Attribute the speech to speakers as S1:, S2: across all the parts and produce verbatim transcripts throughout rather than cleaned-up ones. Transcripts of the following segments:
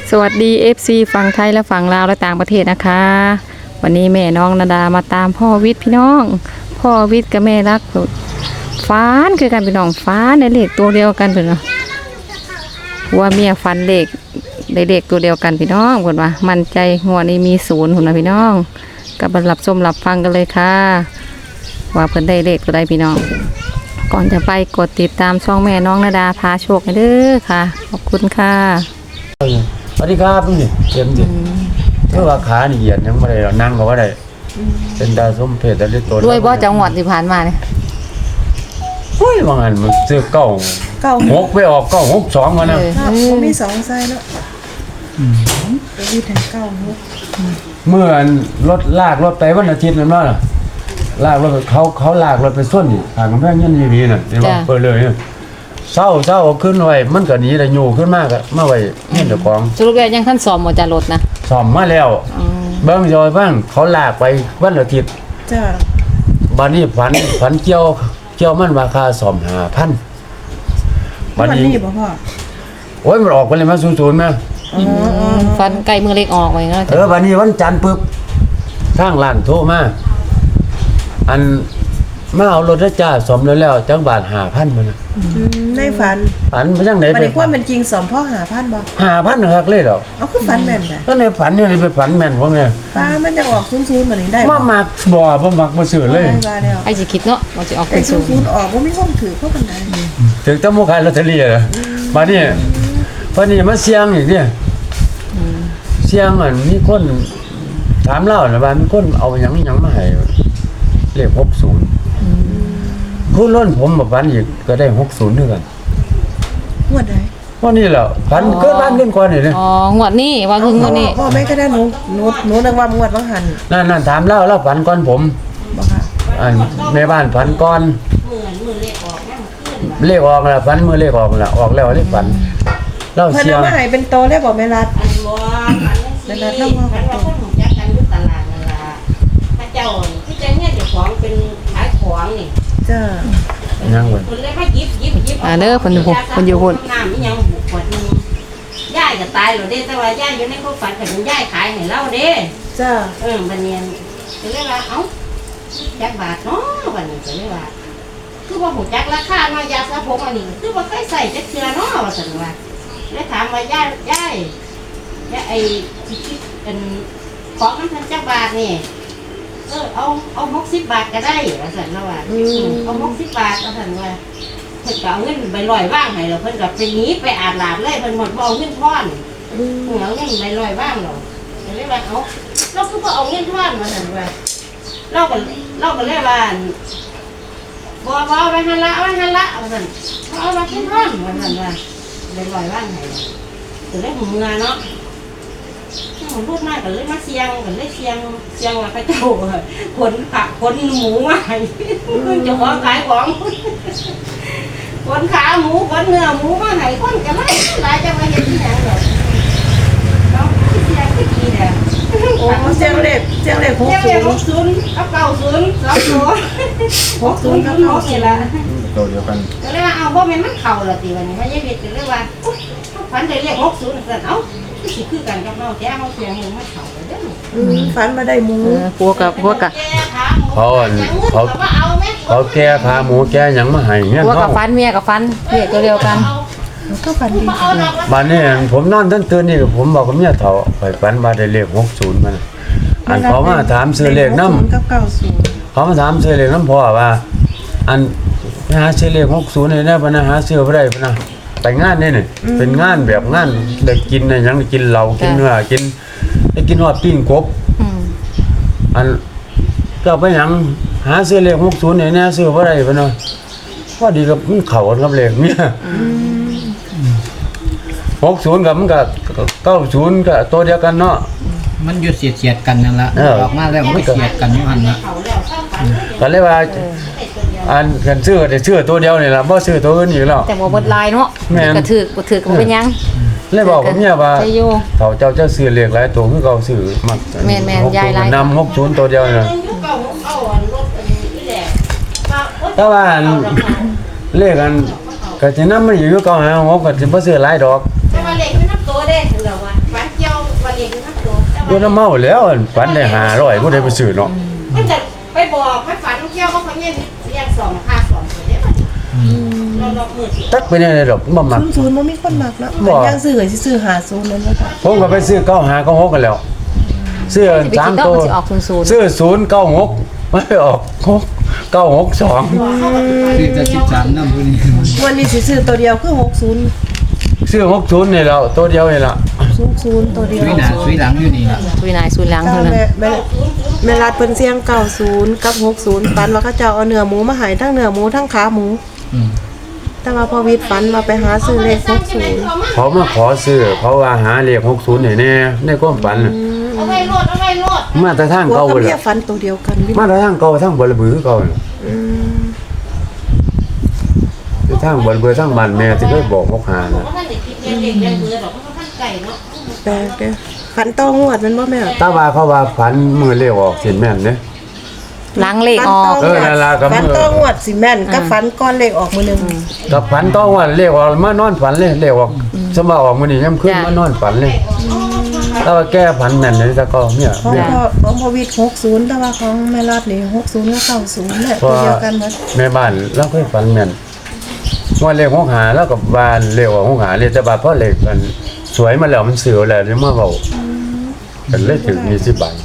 S1: สวัสดี เอฟ ซี ฝั่งไทยและฝั่งลาวและต่างประเทศนะคะวันนี้แม่น้องนาดามาตามพ่อวิทย์พี่น้องพ่อวิทย์กับแม่รักฟ้านคือกันพี่น้องฟ้านในเลขตัวเดียวกันพี่น้องว่าเมียฟันเลขได้เลขตัวเดียวกันพี่น้องคนว่ามั่นใจหัวนี้มีศูนย์หุ่นนะพี่น้องกับบรรลับชมหลับฟังกันเลยค่ะว่าเพิ่นได้เลขตัวใดพี่น้องก่อนจะไปกดติดตามช่องแม่น้องนาดาพาโชคให้เด้อค่ะขอบคุณค่ะ
S2: สวัสดีครับนี่เต็มดิเมื่อว่าขานี่เหยียดยังไม่ได้เรานั่งก็ว่าได้เป็นดาวส้มเพชรแต่เล็กตัว
S1: ด้วยบ่จังหวัดที่ผ่านมาเนี่ย
S2: เฮ้ยบางอันมันซื้อเก้าเก้าหกไปออกเก้าหกสองมานะ
S3: มันมีสองไซส์แล้วจะมีถึงเก้าหก
S2: เมื่อรถลากรถไปวันอาทิตย์นั่นว่าลากรถเขาเขาลากรถไปส้นนี่ห่างกันแค่ยันยีวีน่ะเดี๋ยวเปิดเลยเนี่ยเศร้าเศร้าขึ้นไว้มันก็หนีแต่อยู่ขึ้นมากอะมาไว้เงี้ยเดี๋ยวของ
S1: สรุปแล้วยังท่านสอบหมดจารถนะ
S2: สอบมาแล้วเบิ้งจอยบ้างเขาลากไปวันอาทิตย์
S3: จ้า
S2: บ้านนี้ฝันฝันเกี่ยวเกี่ยวมันราคาสอบหาพัน
S3: บ้านนี้บ่พ่อ
S2: โอ้ยมันออกไปเลยมาศูนย์ศูนย์ไหม
S1: ฟันไก่มือเล็กออกไปงั้น
S2: เออบ้านนี้วันจันทร์ปึ๊บข้างร้านโทรมาอันมาเอารถจ้าสมแล้วแล้วจังบาทหาพันมัน
S3: ในฝัน
S2: ฝันไปจังไหน
S3: ไปความเป็นจริงสมพ่อหาพันบ่
S2: หาพันหักเลยหรอ
S3: เอาคือฝันแม่นแหละ
S2: ก็ในฝันเนี่ยไปฝันแม่นพวกเนี้ย
S3: ป้ามันจะออกซุ้มๆแบบนี้ได้
S2: มามักบ่บ่มักบ่ซื้อเลย
S1: ไอ้สิคิดเนาะมันจะออกเป็น
S3: ซุ้มๆออกบ่มีห้องถือพวกกันได้
S2: ถึงต้องบ่ขายลอตเตอรี่เหรอมานี่พอนี่มาเสียงอีกเนี่ยเสียงมันมีคนถามเล่าน่ะว่ามีคนเอาหยังหยังมาให้เลขหกสิบผู้ล้นผมมาฝันอีกก็ได้หกสิบด้วยกัน
S3: งวดไหน
S2: ว่านี่แหละฝันเกิดบ้านขึ้นก่อนนี่เลย
S1: อ๋องวดนี้ว่าคืองวดนี้
S3: พ่อแม่ก็ได้หนูหนูหนูนึกว่างวดบางหัน
S2: นั่นนั่นถามเล่าเล่าฝันก่อนผม
S3: บ่ค่ะ
S2: อันแม่บ้านฝันก่อนเลขออกแล้วฝันมือเลขออกแล้วออกแล้วเลขฝันเล่าเสียง
S3: เพิ่นมาให้เป็นโตแล้วบ่แม่รัดแม่รัดเล่าว่าเป็นโต
S4: เจ้าที่จะเนี่ยเจ้าของเป็นขายของนี่
S3: จ้า
S2: ยังเว้ย
S4: คนเลยมายิบยิบยิบ
S1: อ่าเด้อเพิ่นอยู่เพิ่นอยู่พุ่น
S4: น้ำนี่ยังบุกขวดนึงย่ายก็ตายแล้วเด้แต่ว่าย่ายอยู่ในความฝันก็เป็นย่ายขายให้เราเด้
S3: จ้า
S4: เออบัดนี้ก็เลยว่าเอ้าจักบาทเนาะบัดนี้ก็เลยว่าคือว่าหูจักราคาเนาะยาสระผมอันนี้คือว่าเคยใส่จักเทื่อเนาะว่าซั่นว่าเลยถามว่าย่ายย่ายย่ายไอ้ที่คิดเป็นของมันพันจักบาทนี่เออเอาเอาหกสิบบาทก็ได้ว่าสันแล้วว่าเอาหกสิบบาทว่าสันว่าเพิ่นก็เอาเงินใบลอยว่างให้เราเพิ่นก็ไปหนีไปอาบน้ำเลยเพิ่นหมดบ่เอาเงินทอนเอาเงินใบลอยว่างเราเลยว่าเอาเราคือบ่เอาเงินทอนว่าสันว่าเราก็เราก็เลยว่าบ่บ่เอาไปหันละเอาไปหันละว่าสันเอามาเงินทอนว่าสันว่าใบลอยว่างให้ก็เลยหูเงาเนาะผมพูดมากกันเลยมาเสียงกันเลยเสียงเสียงว่าพระเจ้าคนผักคนหมูมาจะของขายของคนขาหมูคนเนื้อหมูมาให้คนกันไม่หลายจะมาเห็นที่ไหนหรอกเราเสียงที่ดีเนี่ย
S3: โอ้เสียงเล็กเสียงเล็กหกศูนย์
S4: หกศูนย์กับเก้าศูนย์สองตัว
S3: หกศูนย์กับเก้าศูนย์ละ
S2: ตัวเดียวกัน
S4: ก็เลยว่าเอาเพราะมันมันเข่าละตีวันนี้พระยาเวทก็เลยว่าฝันได้เรียกหกศูนย์สั่นเอ้าสิคือกันกับเราแต่เขาเสียงมันเข่าเลยเด้อ
S3: ฝันมาได้หมู
S1: พวกกับพวกกับ
S2: เขาเขาเขาแก้ขาหมูแก้หยังมาให้เงี้ย
S1: พวกกับฟันเมียกับฟันเรียกตัวเดียวกัน
S3: ก็ฝันดี
S2: บ้านนี้ผมนอนตื่นตื่นนี่ผมบอกกับเมียเฒ่าไปฝันมาได้เลขหกสิบมันอันเขามาถามซื้อเลขนำ
S3: กับเก้าสิบ
S2: เขามาถามซื้อเลขนำพ่อว่าอันหาซื้อเลขหกสิบนี่นะบ่นะหาซื้อบ่ได้บ่นะไปงานนี่นี่เป็นงานแบบงานได้กินได้หยังได้กินเหล้ากินเนื้อกินได้กินฮอดปิ้งกบอันก็ไปหยังหาซื้อเลขหกสิบนี่นะซื้อบ่ได้บ่เนาะพอดีกับมันเข้ากันกับเลขเนี่ยหกสิบกับมันก็เก้าสิบก็ตัวเดียวกันเนาะ
S5: มันอยู่เสียดๆกันนั่นล่ะออกมาแล้วมันก็เสียดกันอยู่หั่นน่ะ
S2: ก็เลยว่าอันกันซื้อได้ซื้อตัวเดียวนี่ล่ะบ่ซื้อตัวอื่นอีกแล้ว
S1: แต่บ่เบิดลายเนาะก็ถือบ่ถือก็บ่เป็นหยัง
S2: เลยบอกผมเนี่ยว่าเขาเจ้าเจ้าซื้อเลขหลายตัวคือเขาซื้อมัก
S1: แม่นๆยายหลาย
S2: นำหกสิบตัวเดียวน่ะแต่ว่าเลขอันก็สินำมันอยู่อยู่เก่าหาหกก็สิบ่ซื้อหลายดอก
S4: แต่ว่าเลขมันนับตัวเด้เราว่าฝัน
S2: ตัวน้ำเมาแล้วฝันได้ห้าร้อยบ่ได้ไปซื้อเนาะ
S4: มันจะไปบอกไปฝันเกี่ยวกับคนเงี้ยเรียกสองค่าสองตัวเดียวเราเรามือถือ
S2: ตักไปได้ดอกบ่มัก
S3: ศูนย์ศูนย์มันมีคนมักเนาะ
S2: บ่
S3: ยังซื้อสิซื้อหาศูนย์นั่นบ่ค่ะ
S2: ผมก็ไปซื้อเก้าห้าเก้าหกกันแล้วซื้อ
S1: จะไป
S2: สา
S1: คิ
S2: ม
S1: ดว่า
S2: ตัว
S1: มันสิออกศูนย์ศูนย์
S2: ซื้อศูนย์เก้าหกไม่ออกหกเก้าหกสอง
S5: คือจะสิบสามน้ำผู้นี้
S3: วันนี้สิซื้อตัวเดียวคือหกศูนย์
S2: ซื้อหกศูนย์นี่แล้วตัวเดียวนี่ละ
S3: ศูนย์ศูนย์ตัวเดียว
S5: สุยหน้าสุยหลังอยู่นี่ล่ะ
S1: ซุยนายซุยหลัง
S3: เก้า
S1: เท่านั้น
S3: แม่แม่แม่รัดเพิ่นเสียงเก้าศูนย์กับหกศูนย์ฝันว่าเขาเจ้าเอาเนื้อหมูมาให้ทั้งเนื้อหมูทั้งขาหมู
S5: อืม
S3: แต่ว่าพอวิทย์ฝันว่าไปหาซื้อเลขหกศูนย์
S2: เขามาขอซื้อเขาว่าหาเลขหกศูนย์นี่แน่ในความฝันน่ะ
S4: เอาไว้รถเอาไว้รถ
S2: มาแต่ทาง
S3: หัว
S2: เก่า
S3: กับ
S2: เล
S3: เมี
S2: ย
S3: ยฝันตัวเดียวกันวิทย์
S2: มาแต่ทางเก่าทางบลบือเก่าน่ะ
S3: อืม
S2: แต่ทางบลบือทางบ้านแม่ที่เคยบอกหกหา
S4: บอ
S2: น่ะ
S4: กว่าท่านเด็กคิดเรียนเด็กเรียนเบื่อหรอกเพราะว่าท่านไก่เนาะ
S3: แปลกเด้อฝันต่องวดมันบ่แม่
S2: แต่ว่าเขาว่าฝันมือเลขออกสิแม่นเด้
S1: หลังเลขออก
S2: เออนั่นล่ะครับ
S3: ฝันต่องวดสิแม่นกับฝันก้อนเลขออกมื้อหนึง
S2: กับฝันต้องว่าเลขออกมานอนฝันเลยเลขออกสมมาออกมื้อนี้ย่ำขึ้นมานอนฝันเลยแต่ว่าแก้ฝันแม่นเลยแต่ก็เนี่ย
S3: ของ
S2: เนี่ย
S3: พ่อของพ่อวิทย์หกศูนย์แต่ว่าของแม่รัดนี่หกศูนย์กับเก้าศูนย์เนี่ย
S2: เพ
S3: ตัว
S2: ราะ
S3: เดียวกันหมด
S2: แม่บ้านเราเคยฝันแม่นว่าเลขหกหาแล้วกับบ้านเลขออกหกหาเลยแต่ว่าเพราะเลขมันสวยมาแล้วมันเสือแล้วนี่มาเว้าเป็นเลขถึงยี่สิบบาท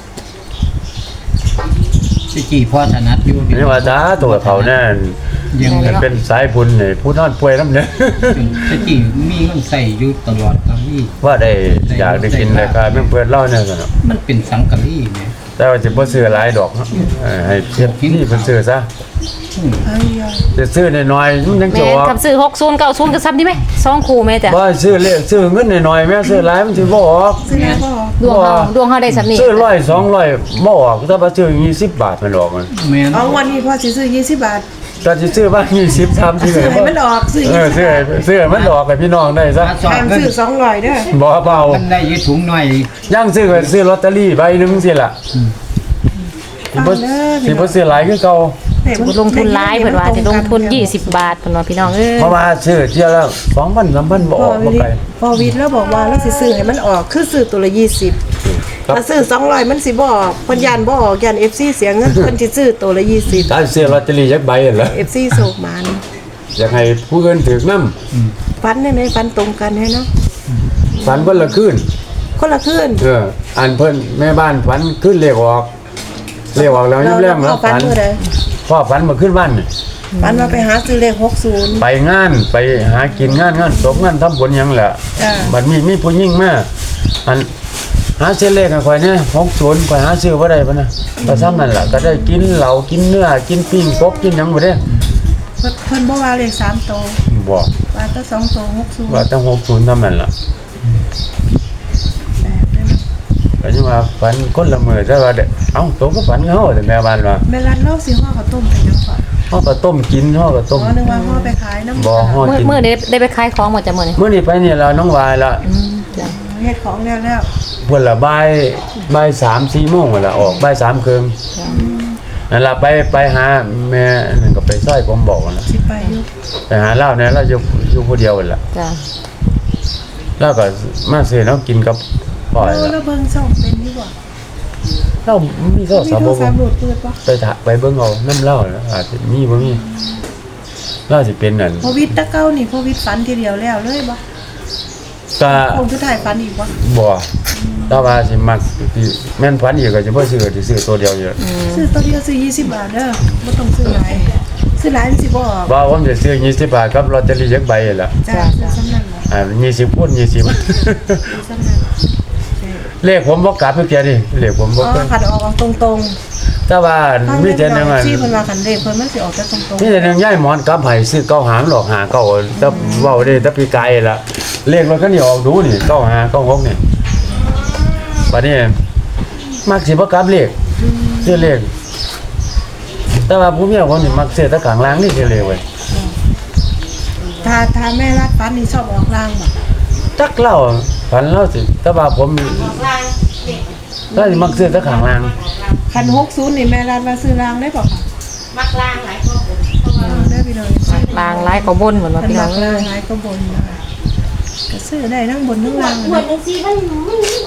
S5: สิกี่พ่อถนัดอยู่
S2: นี่ว่าจ้าตัวเขาแน่น
S5: ยังเลย
S2: เป็นสายบุญนี่ผู้นอนป่วยน้ำเนี่ย
S5: สิกี่มีเงินใส่อยู่ตลอดครับพี่
S2: ว่าได้อยากได้กินรายการเพื่อนเพื่อนเล่าเนี่ยสนอ
S5: มันเป็นสังกะรีแหม
S2: แต่ว่าจะบ่ซื้อหลายดอกเออให้เพียบนี่เพิ่นซื้อซะ
S5: อืม
S3: อ้ายยา
S2: จะซื้อน้อยๆมันยัง
S1: แม่
S2: จะออก
S1: กับซื้อหกศูนย์เก้าศูนย์ก็ซ้ำดีไหมสองคู่แม่จ้ะ
S2: บ่ซื้อเลขซื้อเงินน้อยๆแม่ซื้อหลายมันสิบ่ออก
S3: ซื้อแล้วก็
S1: ดวงเฮาดวงเฮาได้สำนี้
S2: ซื้อร้อยสองร้อยบ่ออกแต่ว่าซื้อยี่สิบบาทมันออกมัน
S5: แม่น
S3: เอาวันนี้พ่อสิซื้อยี่สิบบาท
S2: ก็สิซื้อว่ายี่สิบ สามสิบ
S3: ซื้อให้มันออกซื้อ
S2: เอ
S3: ยี่
S2: อ
S3: สิบ
S2: ซื้อให้ซื้อให้มันออกให้พี่น้องได้ซะ
S5: ถ้าสอบ
S3: ห้าม
S5: เงิน
S3: ซื้อสองร้อยเด้อ
S2: บ่เบา
S5: มันได้อยืดถุงหน่อย
S2: ย่างซื้อก็ซื้อลอตเตอรี่ใบหนึงสิล่ะสิบ่สิบ่ซื้อหลายคือเก่า
S1: บ่ลงทุนหลายเพิ่นว่าสิลงทุนยี่สิบบาทเพิ่นว่าพี่น้องเอ้ย
S2: เพราะว่าซื้อเที่ยวละสองพัน สามพันบ่อ
S3: พ่อ
S2: อกบ่
S3: วิท
S2: ไกล
S3: ย์พ่อวิทย์แล้วบอกว่าเราสิซื้อให้มันออกคือซื้อตัวละยี่สิบ
S2: ครับ
S3: ถ้าซื้อสองร้อยมันสิบ่ออกเพิ่นยานบ่ออกยาน เอฟ ซี เสียเงิน เพิ่นสิซื้อตัวละยี่สิบ
S2: ถ้าซื้อลอตเตอรี่จักใบนั่นล่ะ
S3: เอฟ ซี โศกหมาน
S2: อยากให้ผู้อื่นถือนำ
S3: ฟันได้ไหมฟันตรงกันให้เนาะ
S2: ฝันเพิ่นละคืน
S3: คนละคืน
S2: เอออันเพิ่นแม่บ้านฝันขึ้นเลขออกเลขออกแล้วยิ้มแย้มแล้ว
S3: ฟั
S2: ฝั
S3: น
S2: น
S3: เมื่อใด
S2: พ่อฝันมาขึ้นบ้านนี่
S3: ฟันมาไปหาซื้อเลขหกศูนย์
S2: ไปงานไปหากินงานงานศพงานทำบุญหยังแหละ
S3: จ้า
S2: บัดมีมีผู้หญิงมาอันหาเส้นเลขให้ข่อยเนี่ยหกศูนย์ข่อยหาซื้อบ่ได้ปะนะก็ซ้ำนั่นล่ะก็ได้กินเหล้ากินเนื้อกินปิ้งกบกินหยังบ่ได้
S3: เพิ่นเพิ่นบ่ว่าเลขสามโตว
S2: บ่
S3: ว่าแต่สองโตวหกศูนย์
S2: ว่าตั้งหกศูนย์เท่านั้นล่ะ
S3: แปลกเด้อเนาะ
S2: ก็ยังว่าฝันคนละมื้อแต่ว่าเด้เอ้าตัวก็ฝันเฮาแต่แม่บ้านว่า
S3: แม่รันเล่าสิห่อข้าวต้มกันยังก่อน
S2: เฮาก็ต้มกินเฮาก็
S3: อ๋
S2: ต้ม
S3: อนึกว่าห่อไปขายน้ำ
S2: บ่ฮอด
S1: มื้อ
S2: กิน
S1: มื้อนี้ได้ไปขายของหมดจ้ะมื้อนี้
S2: มื้อนี้ไปนี่แล้วน้องวายละ
S1: อืมจ้ะ
S3: เฮ็ดของแล้วแล้ว
S2: เพิ่นละบ่ายบ่ายสาม สี่โมงนั่นล่ะออกบ่ายสามครึ่งนั่นล่ะไปไปหาแม่นั่นก็ไปซอยผมบอกนั่นล่ะ
S3: สิไปอยู่
S2: ไปหาเหล้าเนี่ยเราอยู่อยู่ผู้เดียวนั่นล่ะ
S1: จ้ะ
S2: แล้วก็มาซื้อน้ำกินกับพ่อย
S3: เรา
S2: ล่ะ
S3: เราเบิ่งช่องเป็นอยู่บ่
S2: เรามีโทร
S3: มี
S2: ศัพท์
S3: โทร
S2: บ่
S3: ศัพท์โหลดเปิดบ่
S2: ไปถะไปเบิ่งเอาน้ำเหล้าน่ะอาจจะมีบ่มีเราสิเป็นนั่น
S3: พอวิทย์ตะเก้านี่พอวิทย์ฝันทีเดียวแล้วเลยบ่
S2: ก็
S3: คงสุดท้ายฝันอีกบ่
S2: บ่แต่ว่าสิมักสิแม่นฝันอีกก็สิบ่ซื้อสิซื้อตัวเดียวอยู่
S3: ซื้อตัวเดียวซื้อยี่สิบบาทเด้อบ่ต้องซื้อหลายซื้อหลายมันสิบ่ออก
S2: ว่าผมจะซื้อยี่สิบบาทกับลอตเตอรี่จักใบนั่นล่ะ
S3: จ้าซื้อซ้ำนั่นล่ะ
S2: อ่ายี่สิบคูณยี่สิบ
S3: ซื้อซ้ำนั่นใช่
S2: เลขผมบ่กลับเมื่อกี้นี่เลขผมบ่
S3: อ๋อ
S2: เคย
S3: ขัดออกตรง
S2: แต่ว่า
S3: ๆ
S2: มีแต่หนึงอ่ะ
S3: ที่เพิ่นว่าคันเลขเพิ่นมันสิออกแต่ตรง
S2: มีแต่หนึงย้ายหมอนกลับให้ซื้อเก้าหามันหลอกหาเก้าแต่เว้าได้แต่ปีไกลล่ะเลขรถคันนี้ออกดูนี่เก้าหาเก้าหกนี่บัดนี้มักสิบ่กลับเลขซื้อเลขแต่ว่าผู้เมียผมนี่มักซื้อแต่ข้างล่างนี่ซื้อเลขไว้
S3: ๆถ้าถ้าแม่รัดฝันนี่ชอบออกล่างบ่
S2: จักเล่าฝันเล่าสิแต่ว่าผม
S4: ออกลางเด็ก
S2: ก็สิมักซื้อแต่ข้างล่าง
S3: คันหกศูนย์นี่แม่รัดว่าซื้อล่างได้บ่คะ
S4: มักลางหลายคนเพราะว่า
S3: ได้พี่น้อง
S1: บางหลายก็บ่นเหมือนว่า
S3: คัน
S1: พี่น้
S3: มั
S1: อง
S3: ก
S1: เอ้
S3: ล่าง
S1: ย
S3: หลายก็บนนะคะก็ซื้อได้ทั้งบนทั้งล่าง
S4: หม
S3: นะ
S4: ดบางทีมันมัน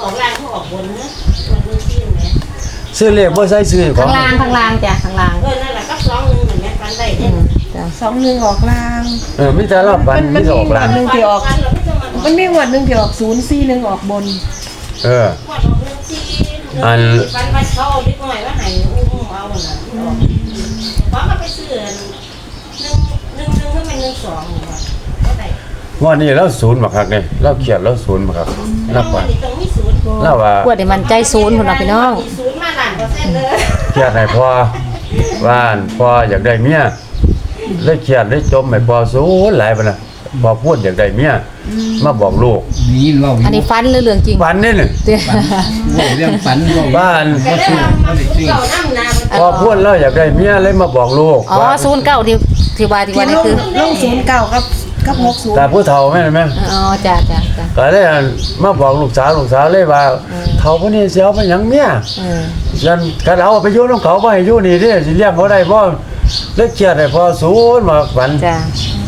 S4: ออกล่างเขาออกบนเนอะมันดูซีนไหม
S2: ซื้อเลขบ่ใส่ซื้อขอ
S1: ข้าง งล่างข้างล่างจ้ะข้างล่าง
S4: เออนั่นแหละก็สองหนึ่งเหมือนกันฟันได้
S1: อื
S4: เนี่ย
S1: มจ้ะ
S3: สองหนึ่งออกลาง
S2: เออมีแต่รอบปันมีแต่ออกหลัง
S3: หนึ่งที่ออก มันมีงวดหนึ่งที่ออกศูนย์สี่หนึ่งออกบน
S2: เออ
S4: อันฟันฟันเขาเอาดิบหน่อยว่าหายอุ้มเอาหน่ะเพราะมันไปซื้อหนึ่งหนึ่งหนึ่งก็เป็นหนึ่งสองก็ได้
S2: งวดนี้เราศูนย์บักคักนี่เราเครียดเราศูนย์บักคักนับว่า
S4: ตรงนี้ศูนย์
S2: เราว่า
S1: ปวดให้มันใจศูนย์พุ่นน่ะพี่น้อง
S4: ศูนย์มาล้านเปอร์เซ็นต์เลย
S2: เครียดให้พ่อว่านพ่ออยากได้เมียเลยเครียดเลยจมให้พ่อศูนย์หลายปานน่ะพอพูดอยากได้เมียมาบอกลูก
S5: นี่เรา
S1: อันนี้ฟันหรือเรื่องจริง
S2: ฝันนี่นี่
S1: เตี้ย
S5: เรื่องฝันเรา
S2: บ้าน
S4: แต่ได้มามาเก่าน้ำนา
S2: พอพูดแล้วอยากได้เมียเลยมาบอกลูก
S1: อ๋อ
S2: ว่า
S1: ศูนย์เก้าที่ที่ว่าที่ว่า
S3: ที่
S1: นี่
S3: ลง
S1: คือ
S3: ลงศูนย์เก้ากับกับหกศูนย์
S2: แต่ผู้เฒ่าแม่นไหม
S1: อ๋อจ้ะจ้ะจ้ะ
S2: ก็เลยมาบอกลูกสาวลูกสาวเลยว่าเฒ่าพวกนี้สิเอาไปหยังเมีย
S1: เออ
S2: ยันกันเอาไปอยู่นำเขาบ่ให้อยู่นี่เด้สิเลี้ยงบ่ได้บ่เลยเครียดให้พอศูนย์มาฝัน
S1: จ้ะ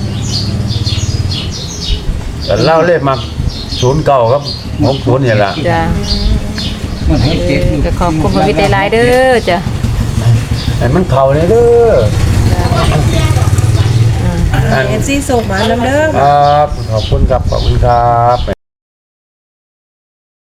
S2: แต่เล่าเลยมาศูนย์เก้าครับหกศูนย์นี่ล่ะ
S1: จ้ะ
S5: มันให้เจ็ด
S1: เออก็ขอบคุณพระวิทยาลัยเด้อจ้ะ
S2: ให้มันเข้าเลยเด้ออัน
S3: เอฟซีส่งมาน้ำเด้อ
S2: ครับขอบคุณครับขอบคุณครับ